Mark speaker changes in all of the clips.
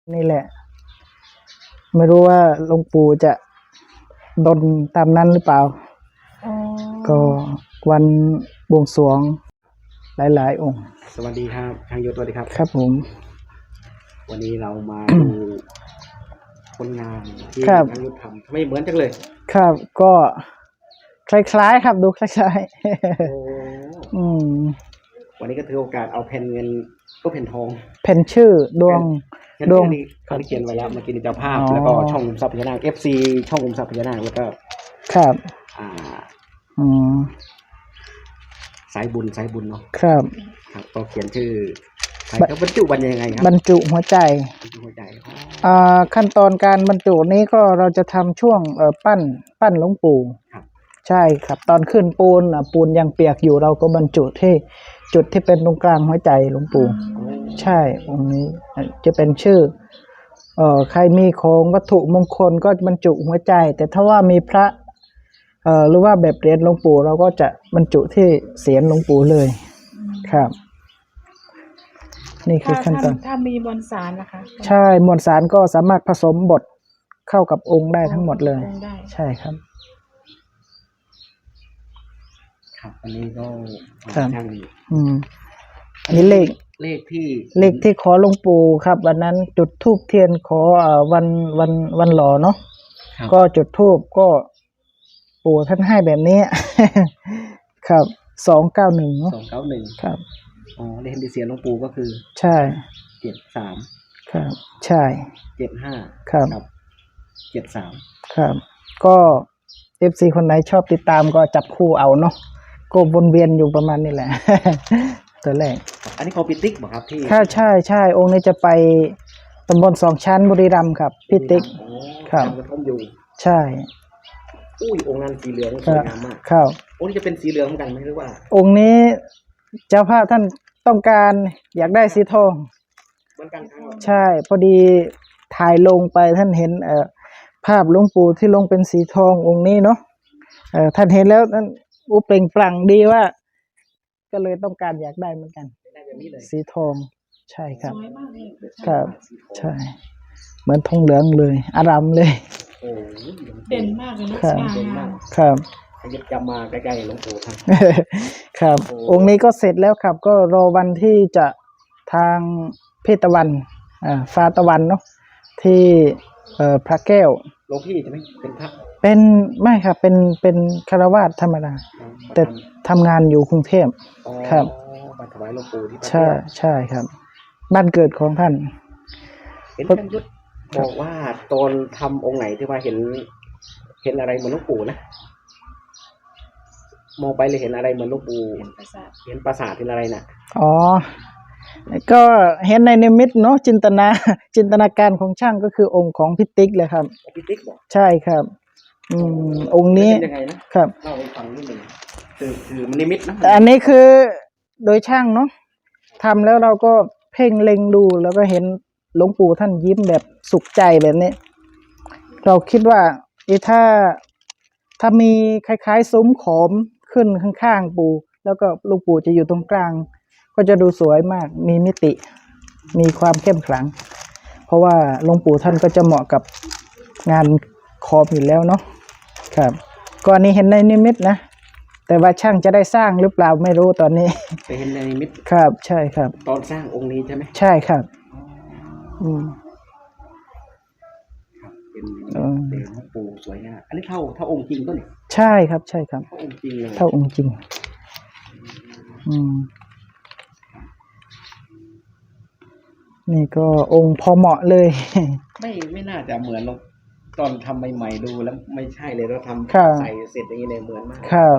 Speaker 1: นี่แหละไม่รู้ว่าหลวงปู่จะดลตามนั้นหรือเปล่าก็วันบวงสรวงหลายๆองค์
Speaker 2: สวัสดีครับทางยศสวัสดีครับ
Speaker 1: ครับผม
Speaker 2: วันนี้เรามาดูผลงานที่ทางยศทำทำไมเหมือนจังเลย
Speaker 1: ครับก็คล้ายๆครับดูคล้ายๆ
Speaker 2: วันนี้ก็ถือโอกาสเอาแผ่นเงินก็แผ่นทอง
Speaker 1: แผ่นชื่อดวง
Speaker 2: นี้เขาเขียนไว้แล้วเมื่อกี้นี่เจ้าภาพแล้วก็ช่องขุมทรัพย์พญานาค FC ช่องขุมทรัพย์พญานาคแล้วก็
Speaker 1: ครับ
Speaker 2: สายบุญเนาะ
Speaker 1: ครับ
Speaker 2: ก็เขียนชื่อแล้วบรรจุวันยังไงครับ
Speaker 1: บรรจุหัวใจขั้นตอนการบรรจุนี้ก็เราจะทำช่วงปั้นหลวงปู่ใช่ครับตอนขึ้นปูนยังเปียกอยู่เราก็บรรจุที่จุดที่เป็นตรงกลางหัวใจหลวงปู่ใช่องค์นี้จะเป็นชื่อใครมีของวัตถุมงคลก็บรรจุหัวใจแต่ถ้าว่ามีพระหรือว่าแบบเหรียญหลวงปู่เราก็จะบรรจุที่เศียรหลวงปู่เลยครับนี่คือขั้นตอน
Speaker 3: ถ้ามีมวลสารนะคะ
Speaker 1: ใช่มวลสารก็สามารถผสมบดเข้ากับองค์ได้ทั้งหมดเลยใช่ครับ
Speaker 2: ครับอันนี้ก็
Speaker 1: ช่างอันนี้เลขที่ขอหลวงปู่ครับวันนั้นจุดธูปเทียนขอวันหล่อเนาะก็จุดธูปก็ปู่ท่านให้แบบนี้ครับ291ครับ
Speaker 2: เลขที่เสียหลวงปู่ก็คือ
Speaker 1: ใช่
Speaker 2: 73
Speaker 1: ครับใช่
Speaker 2: 75
Speaker 1: ครับ
Speaker 2: 73
Speaker 1: ครับก็ FC คนไหนชอบติดตามก็จับคู่เอาเนาะก็วนเวียนอยู่ประมาณนี้แหละตัวแรก
Speaker 2: อันนี้ของพิติ๊กบ่ครับที่
Speaker 1: ใช่องค์นี้จะไปตำบล2ชั้นบุรีรัมย์ครับพิติ๊กครับ
Speaker 2: กระท่อมอยู่
Speaker 1: ใช่
Speaker 2: องค์นั้นสีเหลืองสวยงามมาก
Speaker 1: ครับ
Speaker 2: องค์นี้จะเป็นสีเหลืองเหมือนกันไหมหรือว่า
Speaker 1: องค์นี้เจ้าภาพท่านต้องการอยากได้สีทอง
Speaker 2: เหมือนกัน
Speaker 1: ใช่พอดีถ่ายลงไปท่านเห็นภาพหลวงปู่ที่ลงเป็นสีทององค์นี้เนาะท่านเห็นแล้วท่านเปล่งปลั่งดีว่าก็เลยต้องการอยากได้เหมือนกันสีทองใช่ครับครับใช่เหมือนทองเหลืองเลยอารามเลย
Speaker 3: เด่นมากเลยนะครับ
Speaker 2: ยึดจำมาใกล้ๆหลวงปู่ท่าน
Speaker 1: ครับองค์นี้ก็เสร็จแล้วครับก็รอวันที่จะทางพี่ตะวันฟ้าตะวันเนาะที่พระแก้ว
Speaker 2: หลวงพี่จะไม่เป็นพระ
Speaker 1: เป็นไม่ครับเป็นฆราวาสธรรมดาแต่ทำงานอยู่กรุงเทพครับ
Speaker 2: มาถวายหลวงปู่ที่
Speaker 1: ใช่ครับบ้านเกิดของท่าน
Speaker 2: เห็นท่านยุทธบอกว่าตอนทำองค์ไหนที่ว่าเห็นอะไรเหมือนหลวงปู่นะมองไปเลยเห็นอะไรเหมือนหลวงปู่เห็นปราสาทเห็นอะไรน่ะ
Speaker 1: ก็เห็นในนิมิตเนาะจินตนาการของช่างก็คือองค์ของพิติ๊กเลยครับ
Speaker 2: พิติ๊กบอก
Speaker 1: ใช่ครับองค์นี้
Speaker 2: ยังไงนะครับเล่าให้ฟังนิดนึงคือมันนิมิตนะ
Speaker 1: อันนี้คือโดยช่างเนาะทำแล้วเราก็เพ่งเล็งดูแล้วก็เห็นหลวงปู่ท่านยิ้มแบบสุขใจแบบนี้เราคิดว่าถ้ามีคล้ายๆซุ้มขอมขึ้นข้างๆปู่แล้วก็หลวงปู่จะอยู่ตรงกลางก็จะดูสวยมากมีมิติมีความเข้มขลังเพราะว่าหลวงปู่ท่านก็จะเหมาะกับงานขอมอยู่แล้วเนาะครับก่อนนี้เห็นในนิมิตนะแต่ว่าช่างจะได้สร้างหรือเปล่าไม่รู้ตอนนี้
Speaker 2: ไปเห็นในนิมิต
Speaker 1: ครับใช่ครับ
Speaker 2: ตอนสร้างองค์นี้ใช่ไหม
Speaker 1: ใช่ครับ
Speaker 2: เป็นหลวงปู่สวยงามอันนี้เท่าองค์จริงก็เนี่ย
Speaker 1: ใช่ครับใช่ครับ
Speaker 2: เท่าองค์จริงเลย
Speaker 1: เท่าองค์จริงนี่ก็องค์พอเหมาะเลย
Speaker 2: ไม่น่าจะเหมือนตอนทำใหม่ๆดูแล้วไม่ใช่เลยเราทำใส่เสร็จอย่างนี้เลยเหมือนมาก
Speaker 1: ครับ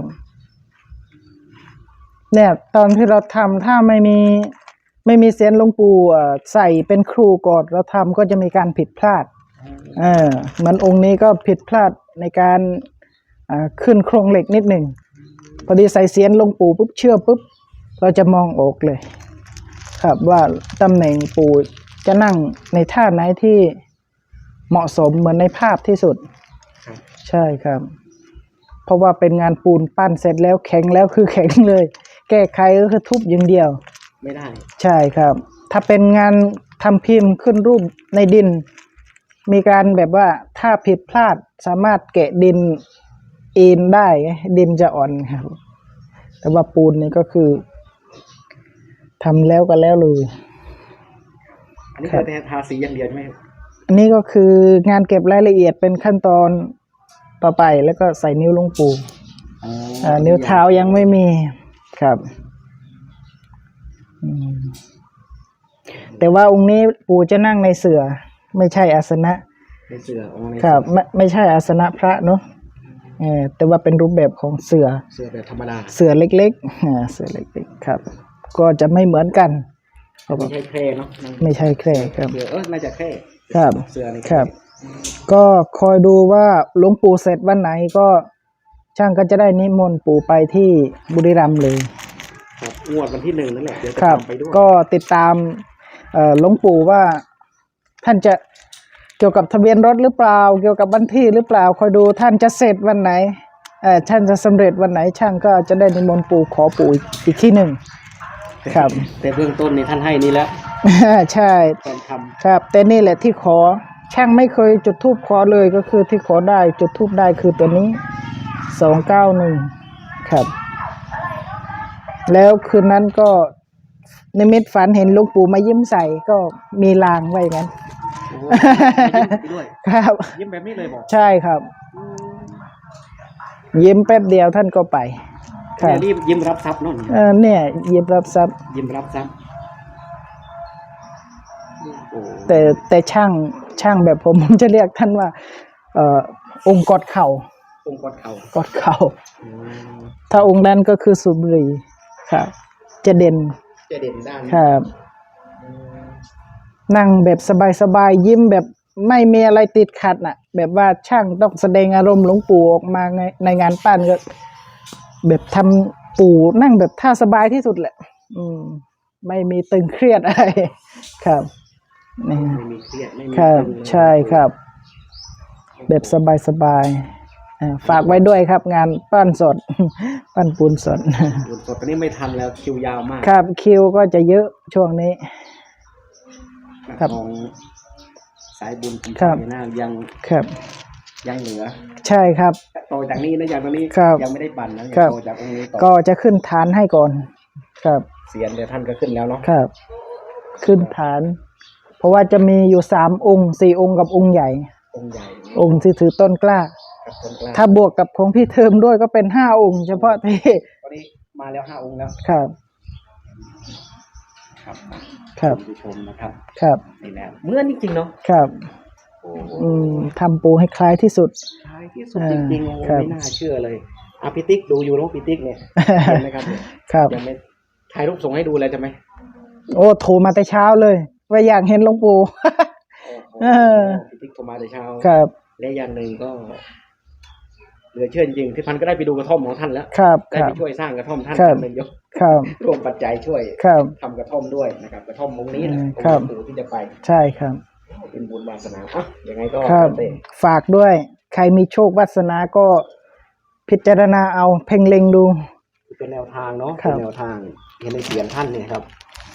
Speaker 1: เนี่ยตอนที่เราทำถ้าไม่มีเสียนหลวงปู่ใส่เป็นครูก่อนเราทำก็จะมีการผิดพลาดเหมือนองค์นี้ก็ผิดพลาดในการขึ้นโครงเหล็กนิดหนึ่งพอดีใส่เสียนหลวงปู่ปุ๊บเชื่อปุ๊บเราจะมองออกเลยครับว่าตำแหน่งปู่จะนั่งในท่าไหนที่เหมาะสมเหมือนในภาพที่สุดใช่ครับเพราะว่าเป็นงานปูนปั้นเสร็จแล้วแข็งแล้วคือแข็งเลยแก้ไขก็คือทุบอย่างเดียว
Speaker 2: ไม่ได้
Speaker 1: ใช่ครับถ้าเป็นงานทำพิมพ์ขึ้นรูปในดิน มีการแบบว่าถ้าผิดพลาดสามารถแกะดินเอนได้ดินจะอ่อนครับแต่ว่าปูนนี่ก็คือทำแล้วก็แล้วเลย
Speaker 2: อันนี้คือทาสีอย่างเดียวใช่ไหม
Speaker 1: อันนี้ก็คืองานเก็บรายละเอียดเป็นขั้นตอนต่อไปแล้วก็ใส่นิ้วหลวงปู่นิ้วเท้ายังไม่มีครับแต่ว่าองค์นี้ปู่จะนั่งในเสื่อไม่ใช่อาสนะ
Speaker 2: ในเสือ
Speaker 1: ครับไม่ใช่อาสนะพระเนาะแต่ว่าเป็นรูปแบบของเสื่อ
Speaker 2: แบบธรรมดา
Speaker 1: เสื่อเล็กๆเสื่อเล็กๆครับก็จะไม่เหมือนกัน
Speaker 2: ไม่ใช่แคร่เนาะ
Speaker 1: ไม่ใช่แคร่ครับ
Speaker 2: น่าจะแคร่
Speaker 1: ครับ
Speaker 2: เสื่อนี่
Speaker 1: ครับก็คอยดูว่าหลวงปู่เสร็จวันไหนก็ช่างก็จะได้นิมนต์ปู่ไปที่บุรีรัมย์เลย
Speaker 2: ครับงวดวันที่1นั่นแหละเดี๋ยวจะไปด้วย
Speaker 1: ก็ติดตามหลวงปู่ว่าท่านจะเกี่ยวกับทะเบียนรถหรือเปล่าเกี่ยวกับวันที่หรือเปล่าคอยดูท่านจะเสร็จวันไหนท่านจะสำเร็จวันไหนช่างก็จะได้นิมนต์ปู่ขอปู่อีกที่หนึ่งครับ
Speaker 2: แต่เบื้องต้นนี่ท่านให้นี่แล้ว
Speaker 1: ใช่ครับแต่นี่แหละที่ขอช่างไม่เคยจุดธูปขอเลยก็คือที่ขอได้จุดธูปได้คือตัวนี้291ครับแล้วคืนนั้นก็นิมิตฝันเห็นหลวงปู่มายิ้มใส่ก็มีลางไว้งั้นครับ
Speaker 2: ยิ้มแบบนี้เลยบอก
Speaker 1: ใช่ครับยิ้มแป๊บเดียวท่านก็ไป
Speaker 2: ครับรีบยิ้มรับทรัพย์นั่น
Speaker 1: เนี่ยยิ้มรับทรัพย์
Speaker 2: ยิ้มรับทรัพย์
Speaker 1: แต่ช่างแบบผมจะเรียกท่านว่าองค์กอดเข่า
Speaker 2: องค์กอดเ
Speaker 1: ข่าถ้าองค์นั้นก็คือสุบรีครับจะเด่น
Speaker 2: ด้าน
Speaker 1: ครับนั่งแบบสบายๆยิ้มแบบไม่มีอะไรติดขัดน่ะแบบว่าช่างต้องแสดงอารมณ์หลวงปู่ออกมาในงานปั้นก็แบบทำปู่นั่งแบบท่าสบายที่สุดแหละไม่มีตึงเครียดอะไรครับ
Speaker 2: ไม่มีเครียดไม่มี
Speaker 1: ครับใช่ครับแบบสบายฝากไว้ด้วยครับงานปั้นสดปั้นปูนสด
Speaker 2: ตอนนี้ไม่ทันแล้วคิวยาวมาก
Speaker 1: ครับคิวก็จะเยอะช่วงนี้
Speaker 2: ครับของสายบุญปีหน้ายังเหลือ
Speaker 1: ใช่ครับ
Speaker 2: ต่อจากนี้นะอย่างตอนนี้ยังไม่ได้ปั่นนะต่อจากองค์นี้
Speaker 1: ก็จะขึ้นฐานให้ก่อนครับ
Speaker 2: เสียนเดี๋ยวท่านก็ขึ้นแล้วเนาะ
Speaker 1: ครับขึ้นฐานเพราะว่าจะมีอยู่3 องค์4 องค์กับองค์ใหญ่องค์ที่ถือต้นกล้าถ้าบวกกับของพี่เทิมด้วยก็เป็น5 องค์เฉพาะที่
Speaker 2: ตอนนี้มาแล้ว5 องค์แล้ว
Speaker 1: ครับ
Speaker 2: ผู้ชมนะครับ
Speaker 1: ครับ
Speaker 2: นี่แหละเหมือนจริงๆเนาะ
Speaker 1: ครับทำปูให้คล้ายที่สุด
Speaker 2: จริงๆไม่น่าเชื่อเลยพี่ติ๊กดูอยู่น้องพี่ติ๊กเนี่ยเห็นไหมครับ
Speaker 1: ครับ
Speaker 2: ยังไม่ถ่ายรูปส่งให้ดูเลยใช่ไหม
Speaker 1: โอ้โทรมาแต่เช้าเลยว่าอยากเห็นหลวงปู่
Speaker 2: พี่ติ๊กโทรมาแต่เช้า
Speaker 1: ครับ
Speaker 2: และอย่างหนึ่งก็เหลือเชื่อจริงที่พันก็ได้ไปดูกระท่อมของท่านแล้วได้ไปช่วยสร้างกระท่อมท่านเป็นยกรวมปัจจัยช่วยทำกระท่อมด้วยนะครับกระท่อมตรงนี้นะของปู่ที่จะไป
Speaker 1: ใช่ครับ
Speaker 2: เป็นบุญวาสนายังไงก็
Speaker 1: ฝากด้วยใครมีโชควาสนาก็พิจารณาเอาเพ่งเล็งดู
Speaker 2: เป็นแนวทางเนาะเป็นแนวทางเห็นในเสียงท่านเนี่ยครับ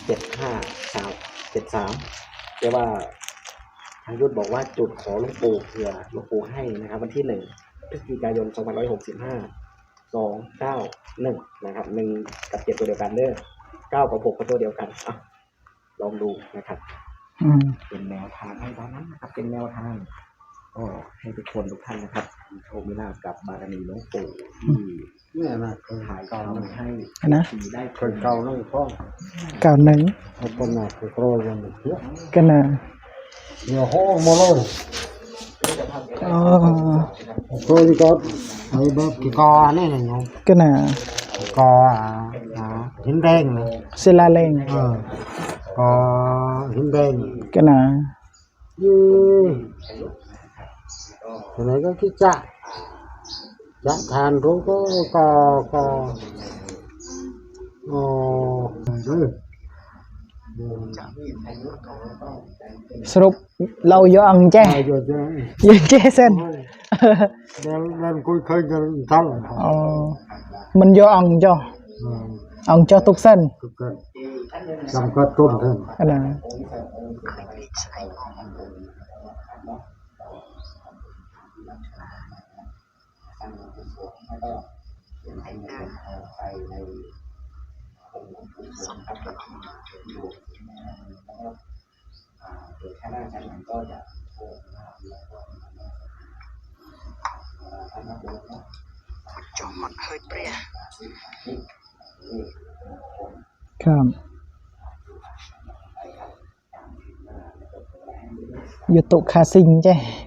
Speaker 2: 7573แต่ว่าทางยุทธบอกว่าจุดขอหลวงปู่เผื่อหลวงปู่ให้นะครับวันที่1 พฤศจิกายน 2565 291นะครับ1 กับ 7ตัวเดียวกันเด้อ9 กับ 6ก็ตัวเดียวกันลองดูนะครับเป็นแนวทางให้ตอนนั้นนะครับเป็นแนวทางก็ให้ทุกคนทุกท่านนะครับมีโชคมีลาภกับบารมีหลวงปู่ที่เนี่ยนะถ่ายก่อนให้
Speaker 1: นะ
Speaker 2: ได้คนเก่าน้องพ่อ
Speaker 1: 91
Speaker 2: คนหนักคือโปรยยังเยอะ
Speaker 1: กันนะ
Speaker 2: เดี๋ยวห้องมาเลยโปรยก็ไอ้แบบกี่กอนี่ไงเนาะ
Speaker 1: กันนะ
Speaker 2: กอหินแดงเลย
Speaker 1: ศิลาแรง
Speaker 2: กอหินแดง
Speaker 1: กันนะ
Speaker 2: อะไรก็คิดจะทานรู้ก็
Speaker 1: สรุปเราย่องแจ้ยังแจ้เส้น
Speaker 2: เดินคุยกันทั้ง
Speaker 1: มันย่องจ้ะ ông cho tục sân
Speaker 4: cực cận làm có tôm thêm
Speaker 1: anh làครับอยู่ตุคาซิงใช่